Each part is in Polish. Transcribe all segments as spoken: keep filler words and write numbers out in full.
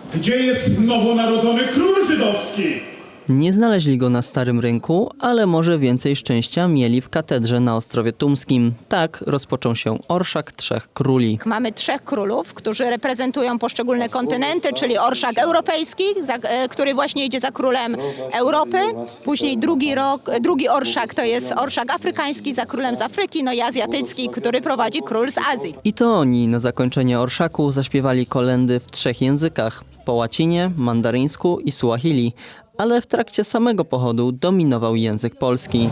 Gdzie jest nowonarodzony król żydowski? Nie znaleźli go na Starym Rynku, ale może więcej szczęścia mieli w katedrze na Ostrowie Tumskim. Tak rozpoczął się Orszak Trzech Króli. Mamy trzech królów, którzy reprezentują poszczególne kontynenty, czyli orszak europejski, za, e, który właśnie idzie za królem Europy. Później drugi, rok, drugi orszak to jest orszak afrykański za królem z Afryki, no i azjatycki, który prowadzi król z Azji. I to oni na zakończenie orszaku zaśpiewali kolędy w trzech językach: po łacinie, mandaryńsku i suahili. Ale w trakcie samego pochodu dominował język polski.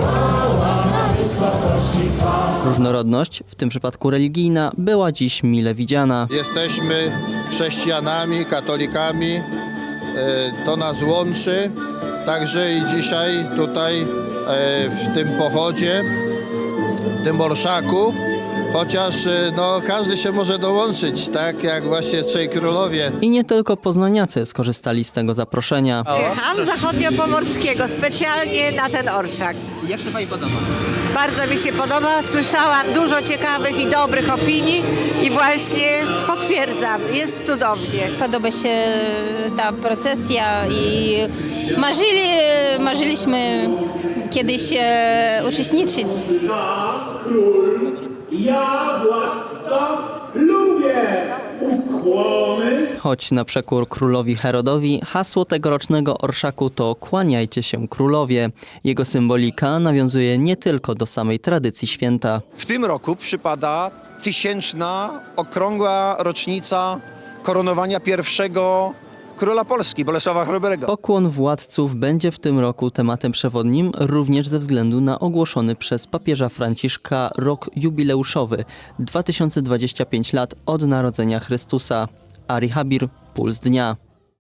Różnorodność, w tym przypadku religijna, była dziś mile widziana. Jesteśmy chrześcijanami, katolikami, to nas łączy, także i dzisiaj tutaj w tym pochodzie, w tym orszaku, chociaż no, każdy się może dołączyć, tak jak właśnie Trzej Królowie. I nie tylko poznaniacy skorzystali z tego zaproszenia. Jechałam z zachodniopomorskiego specjalnie na ten orszak. Jak się Pani podoba? Bardzo mi się podoba, słyszałam dużo ciekawych i dobrych opinii i właśnie potwierdzam, jest cudownie. Podoba się ta procesja i marzyli, marzyliśmy kiedyś e, uczestniczyć. Ja, król, ja, władca, lubię ukłony. Choć na przekór królowi Herodowi, hasło tegorocznego orszaku to "Kłaniajcie się królowie". Jego symbolika nawiązuje nie tylko do samej tradycji święta. W tym roku przypada tysięczna, okrągła rocznica koronowania pierwszego króla Polski, Bolesława Chrobrego. Pokłon władców będzie w tym roku tematem przewodnim, również ze względu na ogłoszony przez papieża Franciszka rok jubileuszowy – dwa tysiące dwadzieścia pięć lat od narodzenia Chrystusa. Ari Habir, Puls Dnia.